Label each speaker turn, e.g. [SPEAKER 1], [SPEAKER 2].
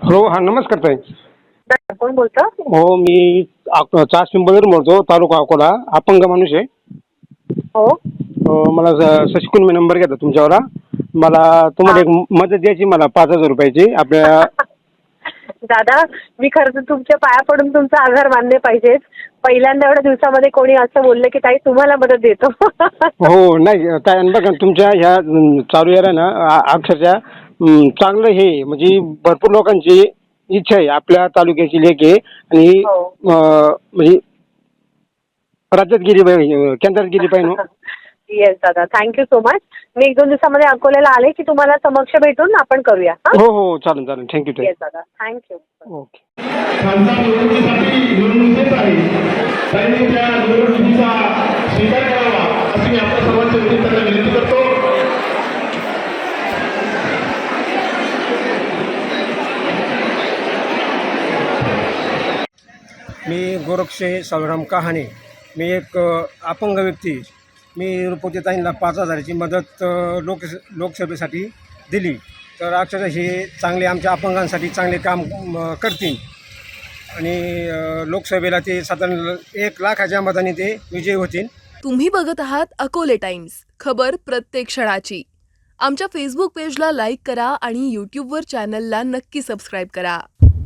[SPEAKER 1] हो, हां, नमस्कार ताई.
[SPEAKER 2] कोण बोलतं?
[SPEAKER 1] हो, मी चास पिंपळवरून बोलतो, तालुका अकोला. अपंग माणूस आहे.
[SPEAKER 2] हो.
[SPEAKER 1] मला शशिकुल मी नंबर घेतला तुमच्यावर. मला तुम्हाला
[SPEAKER 2] हा.
[SPEAKER 1] एक मदत द्यायची, मला 5,000 रुपयाची. आपल्या
[SPEAKER 2] दादा, मी खरं तर तुमच्या पाया पडून तुमचा आभार मानले पाहिजेत. पहिल्यांदा एवढ्या दिवसामध्ये कोणी असं बोललं की ताई तुम्हाला मदत देतो.
[SPEAKER 1] हो, नाही काय आणि बघा तुमच्या ह्या चालू याला ना अक्षरशः चांगलं हे म्हणजे भरपूर लोकांची इच्छा आहे. आपल्या तालुक्याची लेक आहे आणि
[SPEAKER 2] हो.
[SPEAKER 1] म्हणजे राज्यात गेली पाहिजे, केंद्रात गेली पाहिजे हो.
[SPEAKER 2] येस दादा, थँक्यू सो मच. मी 1-2 दिवसामध्ये अकोल्याला आले की तुम्हाला समक्ष भेटून आपण करूया. हा.
[SPEAKER 1] हो हो, चालेल चालेल. थँक्यू ताई.
[SPEAKER 2] येस दादा, थँक्यू.
[SPEAKER 1] ओके.
[SPEAKER 3] खासदार निवडणुकीसाठी निवडणूक येत आहे. त्यांनी त्या निवडणुकीचा स्वीकार करावा अशी मी आपल्या सर्वांच्या वतीने त्यांना विनंती करतो.
[SPEAKER 4] मी गोरक्षे सावराम कहाणे. मी एक अपंग व्यक्ती. मी रुपवतेताईंना 5,000ची मदत लोकसभेसाठी दिली. तर अक्षरशः हे चांगले आमच्या अपंगांसाठी चांगले काम करतील आणि लोकसभेला ते साधारण 1,00,000च्या मताने ते विजयी होतील.
[SPEAKER 5] तुम्ही बघत आहात अकोले टाइम्स, खबर प्रत्येक क्षणाची. आमच्या फेसबुक पेजला लाईक करा आणि यूट्यूबवर चॅनलला नक्की सबस्क्राईब करा.